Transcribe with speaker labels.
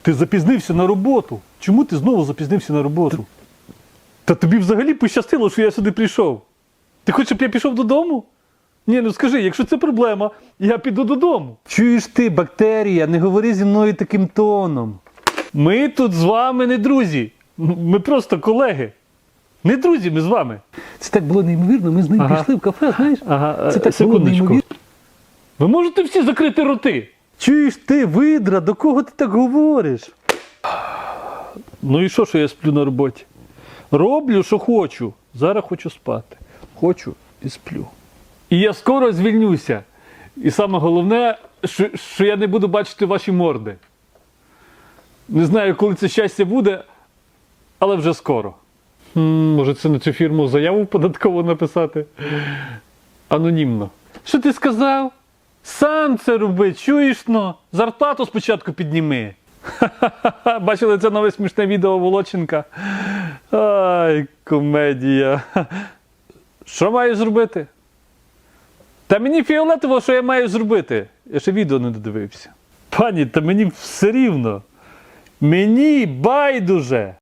Speaker 1: Ти запізнився на роботу. Чому ти знову запізнився на роботу? Та тобі взагалі пощастило, що я сюди прийшов. Ти хочеш, щоб я пішов додому? Ні, ну скажи, якщо це проблема, я піду додому. Чуєш ти, бактерія, не говори зі мною таким тоном. Ми тут з вами не друзі. Ми просто колеги. Не друзі ми з вами.
Speaker 2: Це так було неймовірно, ми з ним пішли в кафе, знаєш?
Speaker 1: Ага,
Speaker 2: Це так було
Speaker 1: секундочку.
Speaker 2: неймовірно.
Speaker 1: Ви можете всі закрити роти?
Speaker 2: Чуєш ти, видра, до кого ти так говориш?
Speaker 1: Ну і що я сплю на роботі? Роблю, що хочу. Зараз хочу спати. Хочу і сплю. І я скоро звільнюся. І саме головне, що я не буду бачити ваші морди. Не знаю, коли це щастя буде, але вже скоро. Може, це на цю фірму заяву податково написати? Анонімно. Що ти сказав? Сам це роби, чуєш, но? Зарплату спочатку підніми. Ха-ха-ха, бачили це нове смішне відео Володченка? Ай, комедія. Що маю зробити? Та мені фіолетово, що я маю зробити. Я ще відео не додивився. Пані, та мені все рівно. Мені байдуже.